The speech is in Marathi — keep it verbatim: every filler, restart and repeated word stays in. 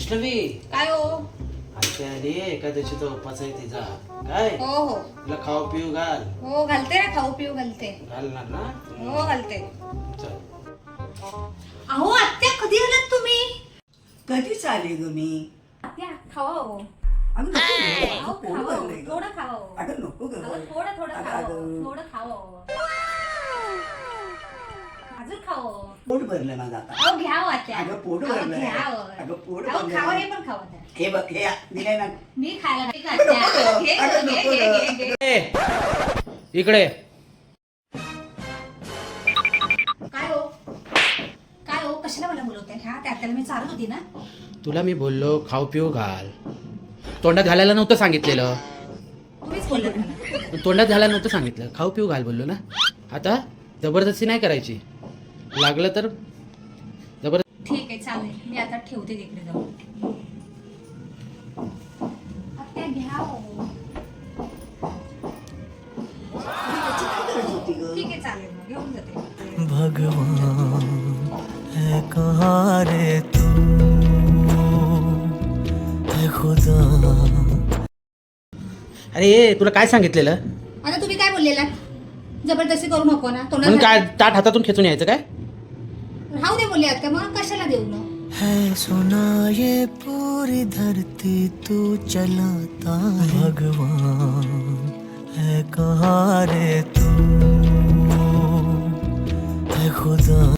वैष्णवी काय हो? आजच्या आधी एकादशीचा उपवास आहे तिचा काय हो हो तुला खाऊ पिऊ घाल हो घालते ना, खाऊ पिऊ घालते. घालणार ना हो घालते. चल. अहो आत्या, कधी आलात तुम्ही? कधीच आले ग मी. आत्या खावा हो. अगं नको ग, अहो, पोट खावा हो. भरलंय ग. थोडं खावा हो. अगं नको ग. अहो, थोडं थोडं अगं, खावा हो. अगं. थोडं खावा हो. अजून खावा हो. पोट भरलंय माझं आता. अहो घ्या हो आत्या. अगं पोट अहो, भरलंय. घ्या हो. अगं पोट अहो, भरलंय. खावा, हे पण खावा त्या. हे बघ हे दिलंय ना. मी खायला नाही का आत्या? घे, अगं, घे, नको घे, ग. घे, घे. ए, इकडे काय हो? काय हो? कशाला मला बोलवताय? ह्या त्या आत्याला मी चालत होती ना. तुला मी बोललो खाऊ पिऊ घाल तोंडात घालायला नव्हतं सांगितलेलं तुम्हीच बोलले मला. तोंडात घालायला नव्हतं सांगितलं खाऊ पिऊ घाल बोललो ना आता जबरदस्ती नाही करायची लागलं तर जबरदस्ती ठीक आहे, चालेल. मी आता ठेवते तिकडे जाऊन. आत्या घ्या हो. त्याची काय गरज होती ग? ठीक आहे, चालेल. मग घेऊन जाते. भगवान है कहाँ रे तू है खुदा. अरे तुला काय सांगितलेलं आता तुम्ही काय बोललेला? जबरदस्ती करू नको ना. म्हणून काय तोंडात ताट हातातून खेचून यायचं काय राहू दे बोलले आत्या, मग कशाला देऊ ना? है सुना ये पूरी धरती तू चलाता है. भगवान है कहाँ रे तू है खुदा.